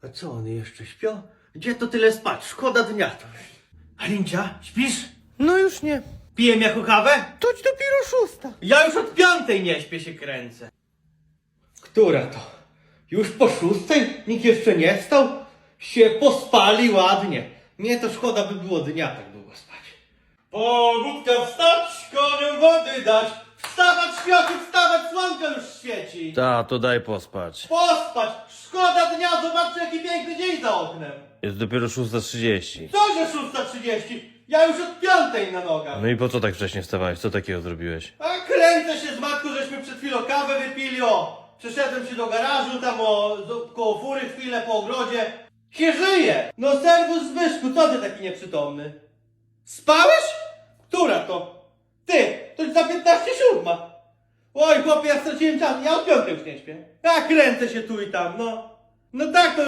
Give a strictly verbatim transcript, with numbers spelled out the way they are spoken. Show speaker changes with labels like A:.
A: A co, one jeszcze śpią? Gdzie to tyle spać? Szkoda dnia to. Halincia, śpisz?
B: No już nie.
A: Pijem jako kawę?
B: Toć dopiero szósta.
A: Ja już od piątej nie śpię, się kręcę. Która to? Już po szóstej? Nikt jeszcze nie wstał? Się pospali ładnie. Nie to szkoda by było dnia tak długo spać. Pogódka wstać, koniom wody dać. Wstawać światu, wstawać, słonko już świeci.
C: Ta, to daj pospać.
A: Pospać, szkoda dnia, zobaczcie jaki piękny dzień za oknem.
C: Jest dopiero szósta trzydzieści.
A: Co, że szósta trzydzieści? Ja już od piątej na nogach.
C: No i po co tak wcześnie wstawałeś? Co takiego zrobiłeś?
A: A kręcę się z matką, żeśmy przed chwilą kawę wypili, o! Przeszedłem się do garażu, tam o, do, koło fury chwilę po ogrodzie. Się żyje! No serwus Zbyszku, co ty taki nieprzytomny? Spałeś? Która to? Ty, to już za piętnaście siódma. Oj chłopie, ja straciłem czas, ja od piątej już nie śpię. Ja kręcę się tu i tam, no. No tak to